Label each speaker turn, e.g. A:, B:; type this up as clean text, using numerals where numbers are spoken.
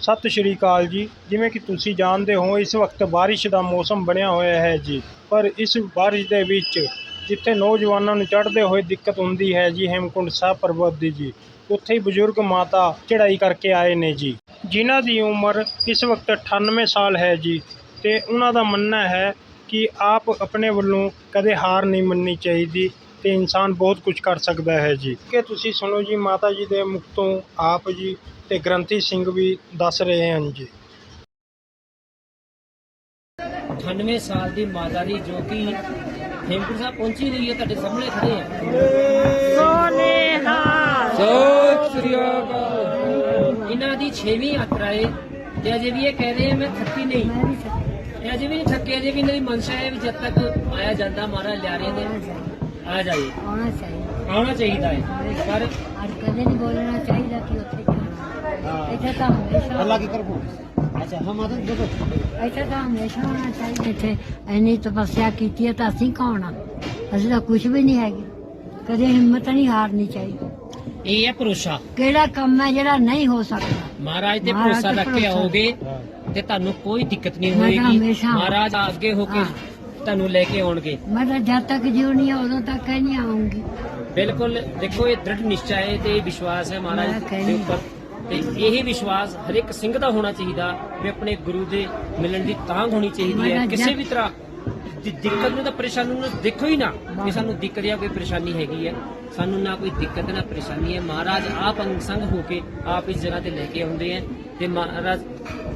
A: ਸਤਿ ਸ਼੍ਰੀ ਅਕਾਲ ਜੀ। ਜਿਵੇਂ ਕਿ ਤੁਸੀਂ ਜਾਣਦੇ ਹੋ ਇਸ ਵਕਤ ਬਾਰਿਸ਼ ਦਾ ਮੌਸਮ ਬਣਿਆ ਹੋਇਆ ਹੈ ਜੀ। ਪਰ ਇਸ ਬਾਰਿਸ਼ ਦੇ ਵਿੱਚ ਜਿੱਥੇ ਨੌਜਵਾਨਾਂ ਨੂੰ ਚੜ੍ਹਦੇ ਹੋਏ ਦਿੱਕਤ ਹੁੰਦੀ ਹੈ ਜੀ ਹੇਮਕੁੰਟ ਸਾਹਿਬ ਪਰਬਤ ਦੀ ਜੀ, ਉੱਥੇ ਹੀ ਬਜ਼ੁਰਗ ਮਾਤਾ ਚੜ੍ਹਾਈ ਕਰਕੇ ਆਏ ਨੇ ਜੀ, ਜਿਨ੍ਹਾਂ ਦੀ ਉਮਰ ਇਸ ਵਕਤ 98 ਸਾਲ ਹੈ ਜੀ। ਤੇ ਉਹਨਾਂ ਦਾ ਮੰਨਣਾ ਹੈ ਕਿ ਆਪ ਆਪਣੇ ਵੱਲੋਂ ਕਦੇ ਹਾਰ ਨਹੀਂ ਮੰਨਣੀ ਚਾਹੀਦੀ ਤੇ ਇਨਸਾਨ ਬਹੁਤ ਕੁਝ ਕਰ ਸਕਦਾ ਹੈ ਜੀ। ਕਿ ਤੁਸੀਂ ਸੁਣੋ ਜੀ ਮਾਤਾ ਜੀ ਦੇ ਮੁਖ ਤੋਂ ਆਪ ਜੀ ਤੇ ਗ੍ਰੰਥੀ ਸਿੰਘ ਵੀ ਦੱਸ ਰਹੇ ਹਨ ਜੀ।
B: 98 ਸਾਲ ਦੀ ਮਾਤਾ ਦੀ ਜੋ ਕਿ ਹੇਮਕੁੰਟ ਸਾਹਿਬ ਪਹੁੰਚੀ ਹੋਈ ਹੈ, ਤੁਹਾਡੇ ਸਾਹਮਣੇ ਖੜੇ ਆ। ਸੋਨੇਹਾ ਸਤਿ ਸ੍ਰੀ ਅਕਾਲ। ਇਹਨਾਂ ਦੀ 6ਵੀਂ ਯਾਤਰਾ ਹੈ ਤੇ ਅਜੇ ਵੀ ਇਹ ਕਹਿ ਰਹੇ ਮੈਂ ਥੱਕੀ ਨਹੀਂ, ਇਹ ਅਜੇ ਵੀ ਨਹੀਂ ਥੱਕੇ। ਅਜੇ ਵੀ ਇਹਨਾਂ ਦੀ ਮਨਸ਼ਾ ਹੈ ਵੀ ਜਦ ਤੱਕ ਆਇਆ ਜਾਂਦਾ ਮਹਾਰਾਜ ਲਿਆ ਰਹੇ ਨੇ ਆ ਜਾਏ, ਆਉਣਾ ਚਾਹੀਦਾ ਹੈ। ਪਰ
C: ਕਦੇ ਨਹੀਂ ਬੋਲਣਾ ਚਾਹੀਦਾ ਕਿ ਉੱਥੇ ਜਾਣਾ। ਇੱਥੇ ਤਾਂ ਹਮੇਸ਼ਾ
B: ਅੱਲਾ ਕੀ ਕਰਬੋ। ਅੱਛਾ ਹਮ ਆਦਤ ਦੇਖੋ
C: ਇੱਥੇ ਤਾਂ ਹਮੇਸ਼ਾ ਹੋਣਾ ਚਾਹੀਦਾ। ਇੱਥੇ ਇੰਨੀ ਤਪੱਸਿਆ ਕੀਤੀ ਹੈ ਤਾਂ ਅਸੀਂ ਕੌਣ ਆ? ਅਸੀਂ ਤਾਂ ਕੁਝ ਵੀ ਨਹੀਂ ਹੈਗੇ। ਕਦੇ ਹਿੰਮਤ ਨਹੀਂ ਹਾਰਨੀ ਚਾਹੀਦੀ।
B: ਇਹ ਹੈ ਭਰੋਸਾ।
C: ਕਿਹੜਾ ਕੰਮ ਹੈ ਜਿਹੜਾ ਨਹੀਂ ਹੋ ਸਕਦਾ?
B: ਮਹਾਰਾਜ ਤੇ ਭਰੋਸਾ ਰੱਖ ਕੇ ਆਓਗੇ ਤੇ ਤੁਹਾਨੂੰ ਕੋਈ ਦਿੱਕਤ ਨਹੀਂ
C: ਮੈਂ ਤਾਂ
B: ਹੋਏਗੀ।
C: ਹਮੇਸ਼ਾ
B: ਮਹਾਰਾਜ ਅੱਗੇ ਹੋ ਕੇ ਤੁਹਾਨੂੰ ਲੈ ਕੇ ਆਉਣਗੇ।
C: ਮੈਂ ਤਾਂ ਜਦ ਤੱਕ ਜਿਉਣੀ ਆ ਉਦੋਂ ਤੱਕ ਹੀ ਨਹੀਂ ਆਉਂਗੀ।
B: ਬਿਲਕੁਲ ਦੇਖੋ, ਇਹ ਦ੍ਰਿੜ ਨਿਸ਼ਚਾ ਹੈ ਤੇ ਇਹ ਵਿਸ਼ਵਾਸ ਹੈ ਮਹਾਰਾਜ ਦੇ ਉੱਪਰ। ਤੇ ਇਹ ਵਿਸ਼ਵਾਸ ਹਰ ਇੱਕ ਸਿੰਘ ਦਾ ਹੋਣਾ ਚਾਹੀਦਾ ਵੀ ਆਪਣੇ ਗੁਰੂ ਦੇ ਮਿਲਣ ਦੀ ਤਾਂਘ ਹੋਣੀ ਚਾਹੀਦੀ ਹੈ। ਕਿਸੇ ਵੀ ਤਰ੍ਹਾਂ ਦੀ ਦਿੱਕਤ ਨੂੰ ਤਾਂ ਪਰੇਸ਼ਾਨੀ ਨੂੰ ਦੇਖੋ ਹੀ ਨਾ ਕਿ ਸਾਨੂੰ ਦਿੱਕਤ ਜਾਂ ਕੋਈ ਪਰੇਸ਼ਾਨੀ ਹੈਗੀ ਹੈ। ਸਾਨੂੰ ਨਾ ਕੋਈ ਦਿੱਕਤ ਨਾ ਪਰੇਸ਼ਾਨੀ ਹੈ। ਮਹਾਰਾਜ ਆਪ ਅੰਗ ਸੰਗ ਹੋ ਕੇ ਆਪ ਇਸ ਜਗ੍ਹਾ ਤੇ ਲੈ ਕੇ ਆਉਂਦੇ ਹੈ ਤੇ ਮਹਾਰਾਜ